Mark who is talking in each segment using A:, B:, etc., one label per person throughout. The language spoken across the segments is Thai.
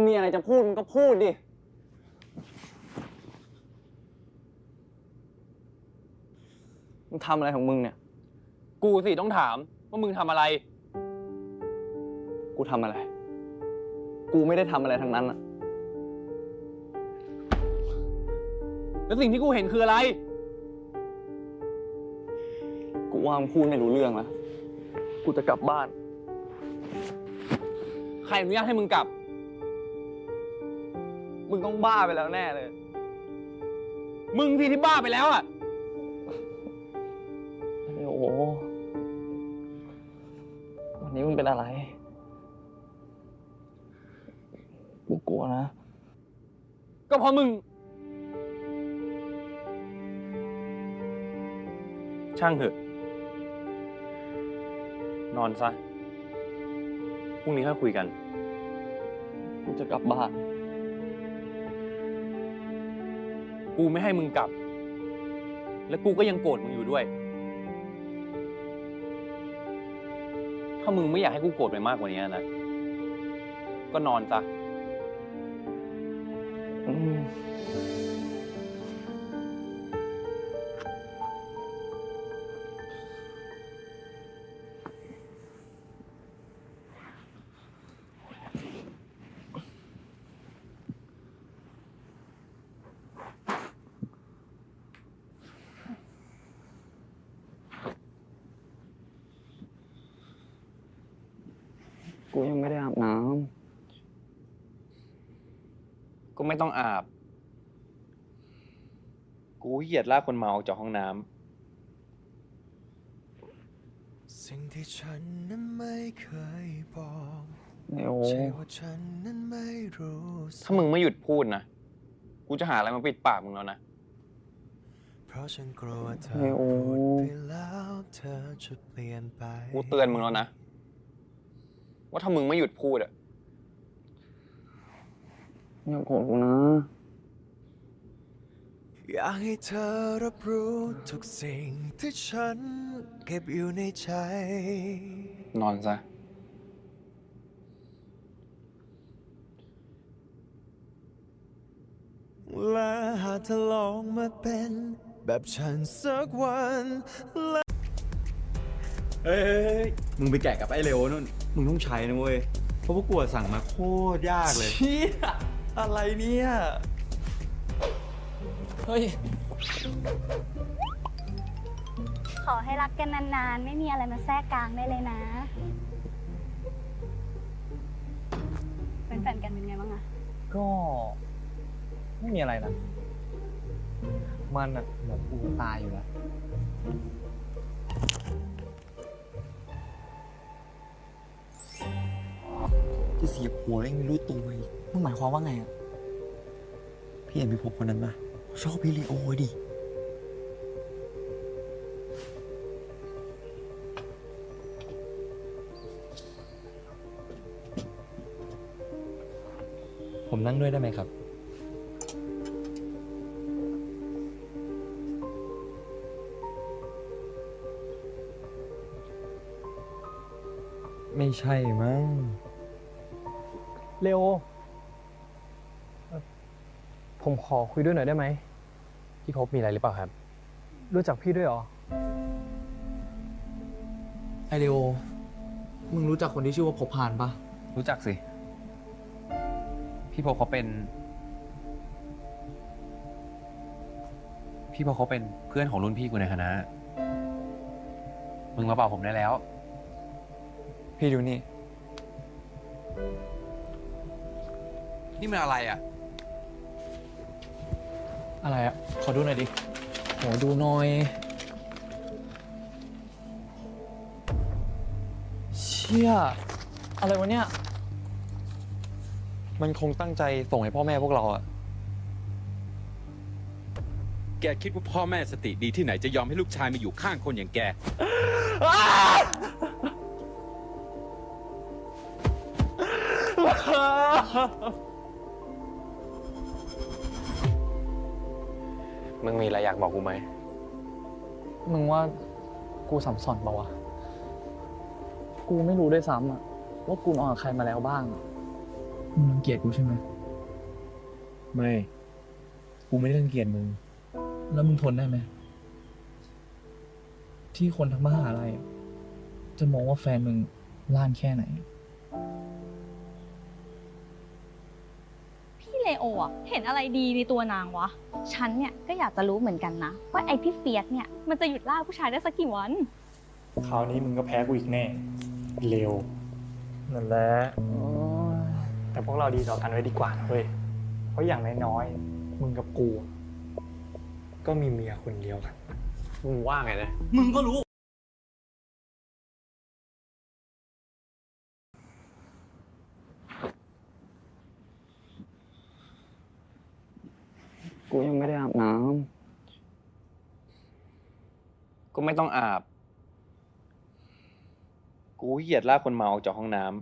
A: มีอะไรจะพูดมึงก็พูดดิมึงทำอะไรของมึงเนี่ย
B: กูสิต้องถามว่ามึงทำอะไร
A: กูทำอะไรกูไม่ได้ทำอะไรทั้งนั้นอะ
B: แล้วสิ่งที่กูเห็นคืออะไร
A: กูว่ามึงพูดไม่รู้เรื่องแล้วกูจะกลับบ้าน
B: ใครอนุญาตให้มึงกลับ
A: มึงต้องบ้าไปแล้วแน่เลย
B: มึงที่บ้าไปแล้วอ่ะ
A: โอ้โหวันนี้มึงเป็นอะไรกูกลัวนะ
B: ก็เพราะมึงช่างเถอะนอนซะพรุ่งนี้ค่อยคุยกัน
A: กูจะกลับบ้าน
B: กูไม่ให้มึงกลับและกูก็ยังโกรธมึงอยู่ด้วยถ้ามึงไม่อยากให้กูโกรธไปมากกว่านี้นะก็นอนซะ
A: กูยังไม่ได้อาบน้
B: ำก็ไม่ต้องอาบกูเหยียดลากคนเมาออกจากห้องน้
C: ำสิ่งที่ฉันนั้นไม่เคยบอกใช่ว่าฉันนั้นไม่รู้
B: ถ้ามึงไม่หยุดพูดนะกูจะหาอะไรมาปิดปากมึงแล้วนะ
C: เพราะฉันกลัวเธอพูดไปแล้วเธอจะเปลี่ยนไป
B: กูเตือนมึงแล้วนะว่าถ้ามึงไม่หยุดพูดอะ
A: อย่าโกรธกูนะ
C: อยากให้เธอรับรู้ทุกสิ่งที่ฉันเก็บอยู่ในใจ
B: นอนซะ
C: และหากเธอลองมาเป็นแบบฉันสักวัน
D: เฮ้ยมึงไปแกะกับไอ้เลโอนู่นมึงต้องใช้นะเว้ยเพราะพวกกูสั่งมาโคตรยากเลย
A: เชี่ยอะไรเนี่ยเฮ้ย
E: ขอให้รักกันนานๆไม่มีอะไรมาแทรกกลางได้เลยนะเป็นแฟนกันเป็นไงบ้างอะ
A: ก็ไม่มีอะไรนะมันอะเหมือนกูตายอยู่แล้ว
F: จะเสียบหัวแล้วยังไม่รู้ตัวอีกมึงหมายความว่าไงอ่ะพี่เห็นพี่พบคนนั้นปะชอบพี่ลีโอดิ
D: ผมนั่งด้วยได้ไหมครับไม่ใช่มั้ง
A: เลโอผมขอคุยด้วยหน่อยได้ไหม
B: พี่พบมีอะไรหรือเปล่าครับ
A: รู้จักพี่ด้วยเหรอ
F: ไอเลโอมึงรู้จักคนที่ชื่อว่าพบพานปะ
B: รู้จักสิพี่พบเขาเป็นเพื่อนของรุ่นพี่กูในคณะมึงมาเป่าผมได้แล้ว
F: พี่ดูนี่
B: นี่มันอะไรอ่ะ
A: อะไรอะขอดูหน่อยดิขอดูหน่อยเชี่ยอะไรวะเนี่ย
F: มันคงตั้งใจส่งให้พ่อแม่พวกเราอะ
G: แกคิดว่าพ่อแม่สติดีที่ไหนจะยอมให้ลูกชายมาอยู่ข้างคนอย่างแก
B: มึงมีอะไรอยากบอกกูไหม
A: มึงว่ากูสับสนเปล่าวะกูไม่รู้ด้วยซ้ำอะว่ากูนอนกับใครมาแล้วบ้าง
H: มึงรังเกียจกูใช่ไหม
I: ไม่ กูไม่ได้รังเกียจมึง
H: แล้วมึงทนได้ไหมที่คนทั้งมหาลัยอะจะมองว่าแฟนมึงล้านแค่ไหน
E: พี่เลโออะเห็นอะไรดีในตัวนางวะ ฉันเนี่ยก็อยากจะรู้เหมือนกันนะว่าไอพี่เฟียสเนี่ยมันจะหยุดล่าผู้ชายได้สักกี่วัน
I: คราวนี้มึงก็แพ้กูอีกแน่เร็ว
H: นั่นแหละแต่พวกเราดีต่อกันไว้ดีกว่านะเว้ย เพราะอย่างน้อยๆมึงกับกูอะก็มีเมียคนเดียวกัน
B: มึงว่าไงนะ
D: มึงก็รู้
F: กูยังไม่ได้อาบน้
B: ก็ไม่ต้องอาบ กูขี้เกียจลากคนเมาออกจากห้องน้ำ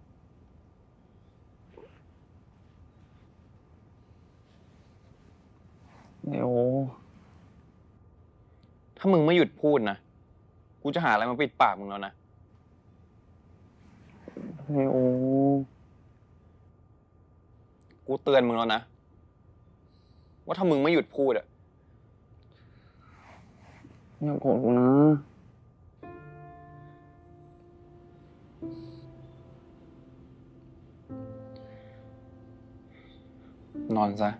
F: ำเลโอ
B: ถ้ามึงไม่หยุดพูดนะ กูจะหาอะไรมาปิดปากมึงแล้วนะ
F: เลโอ
B: กูเตือนมึงแล้วนะ ว่าถ้ามึงไม่หยุดพูดอะ
F: อย่าโกรธกูนะ
B: นอนซะ